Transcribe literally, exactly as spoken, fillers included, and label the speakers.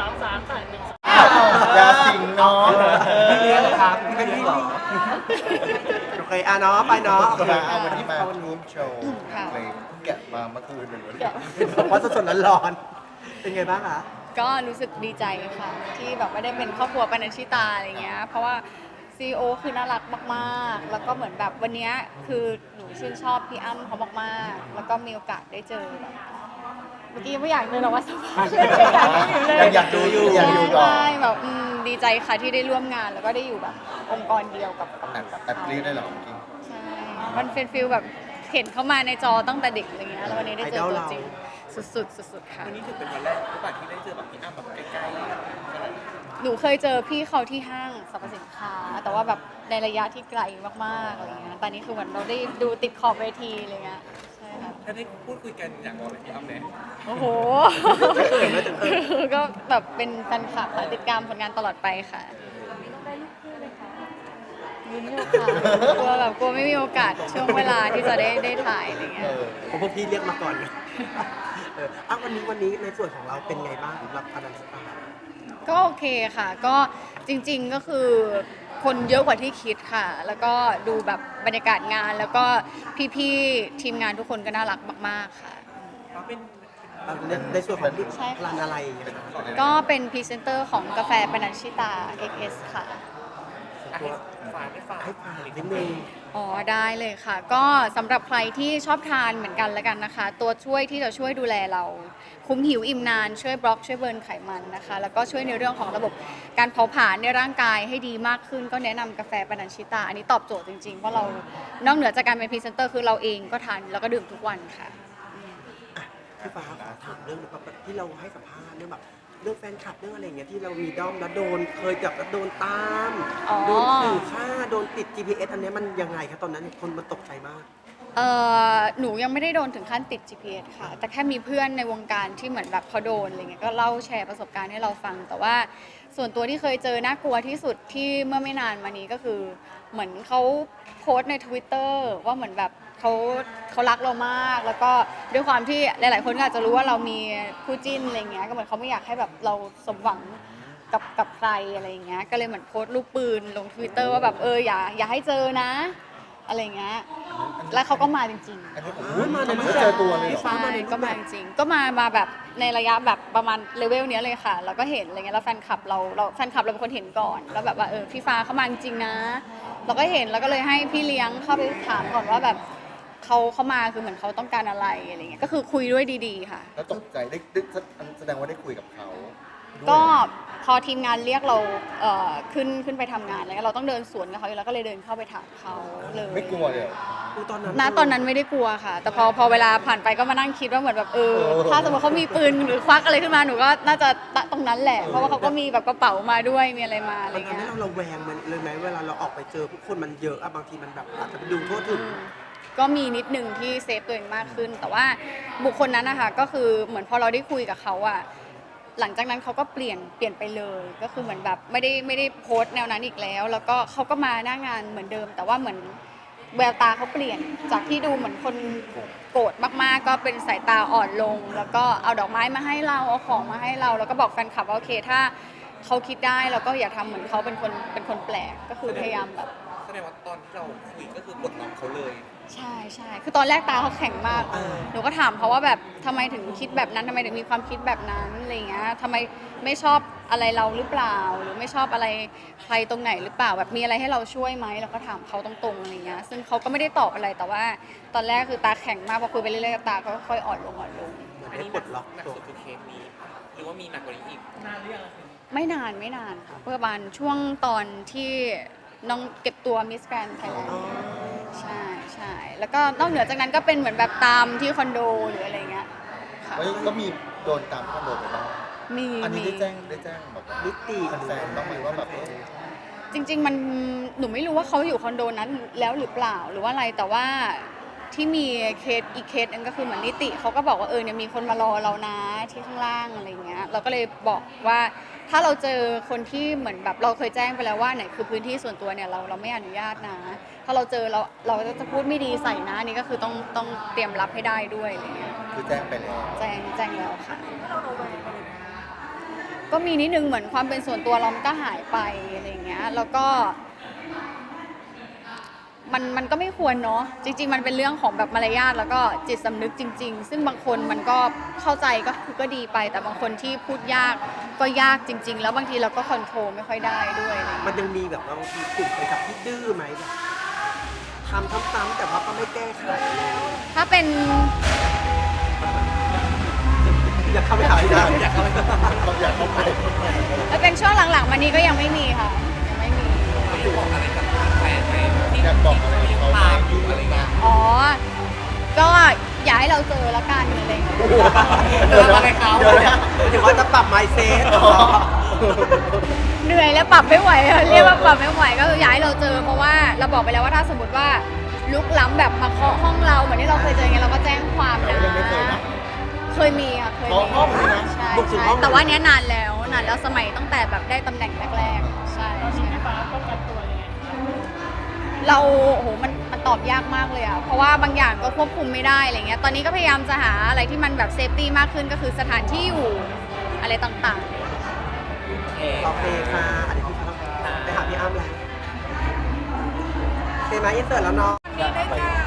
Speaker 1: ามสามแปดหนึ่ง
Speaker 2: อย่าสิงเนาะ
Speaker 3: พี่เลี้ยงเหรอครับพี่ไม่เลี้ยงเหรอโอเคอ่ะเนาะไปเนาะ
Speaker 2: เอาวันนี้มาร่วมโชว์เพลงแกะมาเมื่อคืนเลย
Speaker 3: บอกว่าสดๆร้อนๆเป็นไงบ้างคะ
Speaker 4: ก็รู้สึกดีใจค่ะ ที่แบบไม่ได้เป็นครอบครัวปานัญชิตาอะไรเงี้ยเพราะว่าซีอีโอคือน่ารักมากๆแล้วก็เหมือนแบบวันนี้คือหนูชื่นชอบพี่อ้ำเขามากๆแล้วก็มีโอกาสได้เจอแบบเมื่อกี้ไม่อยากเดินออกมาสัมภาษณ์เลย
Speaker 2: อยากดูอยู่อยากดูก่อน
Speaker 4: ใช่แบบอืมดีใจค่ะที่ได้ร่วมงานแล้วก็ได้อยู่แบบองค์กรเดียวกับ
Speaker 2: แอบแอบกรี๊ดได้เหรอเมื่อกี้
Speaker 4: ใช่มันเป็นฟิลแบบเห็นเขามาในจอตั้งแต่เด็กอะไรเงี้ยแล้ววันนี้ได้เจอตัวจริงสุดๆสุดๆค่ะ
Speaker 1: วันนี้ถือเป็นวันแรกหรือเปล่าที่ได้เจอแบบพี่อ้ำแบบใกล้ๆ
Speaker 4: หนูเคยเจอพี่เขาที่ห้างสรรพสินค้า แต่ว่าแบบในระยะที่ไกลมากๆอะไรเงี้ยตอนนี้คือเหมือนเราได้ดูติดขอบเวทีอะไรเงี้ยใช่ค่ะ
Speaker 1: ถ้าได้พูดคุยกันอยากบอกอะไรพี่อ้ำไหม
Speaker 4: โอ้โห ก็แบบเป็นแฟนคลับค่ะติดตามผลงานตลอดไปค่ะลุ้นอยู่ค่ะกลัวแบบกลัวไม่มีโอกาสช่วงเวลาที่จะได้ได้ถ่ายอะไรเงี้ย
Speaker 3: ผมพวกพี่เรียกมาก่อนนะเอออ่ะวันนี้วันนี้ในส่วนของเราเป็นไงบ้างสำหรับพนันสตาร์
Speaker 4: ก็โอเคค่ะ ก็จริงๆก็คือคนเยอะกว่าที่คิดค่ะ แล้วก็ดูแบบบรรยากาศงาน แล้วก็พี่ๆทีมงานทุกคนก็น่ารักมากๆค่ะ
Speaker 1: เขาเป็น
Speaker 3: ในในส่วนของ
Speaker 4: ใช่ค่ะ
Speaker 3: ร้านอะไรนะคะ
Speaker 4: ก็เป็นพรีเซนเตอร์ของกาแฟปานัญชิตา เอ็กซ์ เอส ค่ะ
Speaker 3: ตัว
Speaker 1: ฝากไม่ฝาก
Speaker 3: ให้ผ่านนิดนึง
Speaker 4: อ๋อได้เลยค่ะ ก็สำหรับใครที่ชอบทานเหมือนกันแล้วกันนะคะ ตัวช่วยที่จะช่วยดูแลเราคุ้มหิวอิ่มนานช่วยบล็อกช่วยเบิร์นไขมันนะคะ แล้วก็ช่วยในเรื่องของระบบการเผาผลาญในร่างกายให้ดีมากขึ้น ก็แนะนำกาแฟปานัญชิตา อันนี้ตอบโจทย์จริงๆเพราะเรานอกเหนือจากการเป็นพรีเซนเตอร์คือเราเองก็ทานแล้วก็ดื่มทุกวันค่ะ
Speaker 3: พี่ฟ้าถามเรื่องแบบที่เราให้สัมภาษณ์เรื่องแบบเรื่องแฟนคลับเรื่องอะไรอย่างเงี้ยที่เรามีด้อมแล้วโดนเคยจับแล้วโดนตาม
Speaker 4: อ๋อ
Speaker 3: โดนขู่ฆ่าโดนติด จี พี เอส อันเนี้ยมันยังไงครับตอนนั้นคนมันตกใจมาก
Speaker 4: เอ่อหนูยังไม่ได้โดนถึงขั้นติด จี พี เอส ค่ะ แต่แค่มีเพื่อนในวงการที่เหมือนแบบเขาโดนอะไรเงี้ยก็เล่าแชร์ประสบการณ์ให้เราฟัง แต่ว่าส่วนตัวที่เคยเจอน่ากลัวที่สุดที่เมื่อไม่นานมานี้ก็คือเหมือนเขาโพสต์ใน Twitter ว่าเหมือนแบบเขาเขารักเรามาก แล้วก็ด้วยความที่หลาย ๆ คนก็อาจจะรู้ว่าเรามีคู่จิ้นอะไรเงี้ยก็เหมือนเขาไม่อยากให้แบบเราสมหวังกับกับใครอะไรเงี้ยก็เลยเหมือนโพสต์รูปปืนลง Twitter ว่าแบบเอออย่าอย่าให้เจอนะอะไรเงี้ยแล้วเขาก็มาจริงๆ
Speaker 2: อันนี้ผม
Speaker 3: อ๋อมาในรูป
Speaker 2: เจอตัวเลยเหรอ
Speaker 4: ใช่ก็มาจริงๆก็มามาแบบในระยะแบบประมาณเลเวลเนี้ยเลยค่ะแล้วก็เห็นอะไรเงี้ยแล้วแฟนคลับเราเราแฟนคลับเราเป็นคนเห็นก่อนแล้วแบบว่าเออพี่ฟ้าเขามาจริงๆนะเราก็เห็นแล้วก็เลยให้พี่เลี้ยงเข้าไปถามก่อนว่าแบบเขาเขามาคือเหมือนเขาต้องการอะไรอะไรเงี้ยก็คือคุยด้วยดีๆค่ะ
Speaker 2: แล้วตกใจได้ได้แสดงว่าได้คุยกับเขาด้วย
Speaker 4: ก็พอทีมงานเรียกเราเอ่อขึ้นขึ้นไปทำงานแล้วเราต้องเดินสวนกับเขาอยู่แล้วก็เลยเดินเข้าไปถามเขาเลย
Speaker 2: ไม่กลัวเลยเหรอ
Speaker 3: คือตอนนั้น
Speaker 4: ณตอนนั้นไม่ได้กลัวค่ะ แต่พอพอเวลาผ่านไปก็มานั่งคิดว่าเหมือนแบบเออ
Speaker 2: เออ
Speaker 4: ถ้าสมมติเขามีปืนหรือควักอะไรขึ้นมาหนูก็น่าจะตรงนั้นแหละ เพราะว่าเขาก็มีแบบกระเป๋ามาด้วยมีอะไรมาอะไร
Speaker 3: มันทำให้
Speaker 4: เงี้ย
Speaker 3: เราระแวงมันเลยไหมเวลาเราออกไปเจอผู้คนมันเยอะอะบางทีมันแบบอาจจะไปดูทั่วถึง
Speaker 4: ก็มีนิดนึงที่เซฟตัวเองมากขึ้น แต่ว่าบุคคลนั้นนะคะก็คือเหมือนพอเราได้คุยกับเขาอะหลังจากนั้นเขาก็เปลี่ยนเปลี่ยนไปเลย ก็คือเหมือนแบบไม่ได้ไม่ได้โพสต์แนวนั้นอีกแล้ว แล้วก็เขาก็มาหน้างานเหมือนเดิม แต่ว่าเหมือนแววตาเขาเปลี่ยนจากที่ดูเหมือนคนโกรธมากๆ ก็เป็นสายตาอ่อนลง แล้วก็เอาดอกไม้มาให้เราเอาของมาให้เรา แล้วก็บอกแฟนคลับว่าโอเคถ้าเขาคิดได้เราก็อย่าทำเหมือนเขาเป็นคนเป็นคนแปลกก็คือพยายามแบบ
Speaker 1: แสดงว่าตอนที่เราคุยก็คือกดล็อกเขาเลย
Speaker 4: ใช่ใช่คือตอนแรกตาเขาแข็งมาก
Speaker 3: เออ
Speaker 4: หนูก็ถามเขาว่าแบบทำไมถึงคิดแบบนั้นทำไมถึงมีความคิดแบบนั้นอะไรเงี้ยทำไมไม่ชอบอะไรเราหรือเปล่า หรือไม่ชอบอะไรใครตรงไหนหรือเปล่า แบบมีอะไรให้เราช่วยไหมเราก็ถามเขาตรงๆอะไรเงี้ย ซึ่งเขาก็ไม่ได้ตอบอะไร แต่ว่าตอนแรกคือตาแข็งมาก พอคุยไปเรื่อยๆตาก็ค่อยๆอ่อนลงอ่อนลง
Speaker 3: เหมือน
Speaker 1: อัน
Speaker 3: ได้
Speaker 1: นี้
Speaker 3: ปลดล็อก
Speaker 1: หนัก
Speaker 3: ตัว
Speaker 1: สุดคือเคสนี้หรือว่ามีหนักกว่านี้อีกนานหรือยัง
Speaker 4: ไม่นานไม่นานค่ะประมาณช่วงตอนที่น้องเก็บตัวมิสแกรนด์ไทยแลนด์ ใช่ใช่แล้วก็นอกเหนือจากนั้นก็เป็นเหมือนแบบตามที่คอนโดหรืออะไรเงี้ยค่ะ
Speaker 2: เฮ้ยก็มีโดนตามคอนโดไปบ้าง
Speaker 4: มี
Speaker 2: อันนี้
Speaker 4: มี
Speaker 2: ได้แจ้งได้แจ้งแบบว่า
Speaker 3: นิติ
Speaker 2: แฟนๆต้องไหมว่าแบบเออ
Speaker 4: จริง ๆ มันหนูไม่รู้ว่าเขาอยู่คอนโดนั้นแล้วหรือเปล่าหรือว่าอะไรแต่ว่าที่มีเคสอีกเคสนึงก็คือเหมือนนิติเขาก็บอกว่าเออเนี่ยมีคนมารอเรานะที่ข้างล่างอะไรเงี้ยเราก็เลยบอกว่าถ้าเราเจอคนที่เหมือนแบบเราเคยแจ้งไปแล้วว่าไหนคือพื้นที่ส่วนตัวเนี่ยเราเราไม่อนุญาตนะถ้าเราเจอเราเราจะพูดไม่ดีใส่นะนี่ก็คือต้องต้องเตรียมรับให้ได้ด้วยอะไรเงี้ย
Speaker 2: คือแจ้งไปแล้ว
Speaker 4: แจ้งแจ้งแล้วค่ะก็มีนิดนึงเหมือนความเป็นส่วนตัวเรามันก็หายไปอะไรอย่างเงี้ยแล้วก็มันมันก็ไม่ควรเนาะจริงๆมันเป็นเรื่องของแบบมารยาทแล้วก็จิตสำนึกจริงๆซึ่งบางคนมันก็เข้าใจก็คือก็ดีไปแต่บางคนที่พูดยากก็ยากจริงๆแล้วบางทีเราก็คอนโทรลไม่ค่อยได้ด้วยอะไรอย่าง
Speaker 3: มั
Speaker 4: เงี้ย
Speaker 3: นยังมีแบบว่าบางทีกลุ่มแฟนคลับที่ดื้อไหมแบบทำซ้ำๆแต่ว่าก็ไม่แก้ไข
Speaker 4: ถ้าเป็น
Speaker 3: อยากเข้าไปหาที่ได้อยากเข้าไป
Speaker 2: เขาอยากเข้าไป
Speaker 4: ถ้าเป็นช่วงหลังๆมานี้ก็ยังไม่มีค่ะยังไม่มี
Speaker 1: อยากบอกอะไรกับแฟนไหมที่
Speaker 2: อยากบอกอะไร
Speaker 1: ที่
Speaker 2: เขา
Speaker 1: ยัง
Speaker 2: ไหม
Speaker 1: ตามอยู่อะไรเงี้ย
Speaker 4: อ๋อก็อย่าให้เราเจอละกันอะไรอย่างเงี้ย
Speaker 1: เจออะไรเขา
Speaker 2: เดี๋ยวนะ
Speaker 3: ถือว่าจะปรับ mindset
Speaker 4: เหนื่อยแล้วปรับไม่ไหวอะเรียกว่าปรับไม่ไหวก็คืออยากให้เราเจอเพราะว่าเราบอกไปแล้วว่าถ้าสมมติว่าลุกล้ำแบบมาเคาะห้องเราเหมือนที่เราเคยเจอไงเราก็แจ้งความ
Speaker 2: แต่
Speaker 4: นะ
Speaker 2: ว่ายังไม่เคยนะ
Speaker 4: เคยมีค่ะเคย
Speaker 2: เคาะ
Speaker 4: มี
Speaker 2: ห้องเลยนะ
Speaker 4: ใช่
Speaker 3: บุกถึง
Speaker 4: ใช่
Speaker 3: ห้อง
Speaker 4: แต่ว่าเนี้ยนานแล้วนานแล้วสมัยตั้งแต่แบบได้ตำแหน่งแรกๆใช่ใช่เราโอ้โหมันมันตอบยากมากเลยอะเพราะว่าบางอย่างก็ควบคุมไม่ได้อะไรเงี้ยตอนนี้ก็พยายามจะหาอะไรที่มันแบบเซฟตี้มากขึ้นก็คือสถานที่อยู่อะไรต่างๆ
Speaker 3: โอเคค่ะอันนี้พี่ฟ้าไปหาพี่อ้ำแล้วโอเคไหมอินเสิร์ตแล้วเนาะ
Speaker 2: อยากไป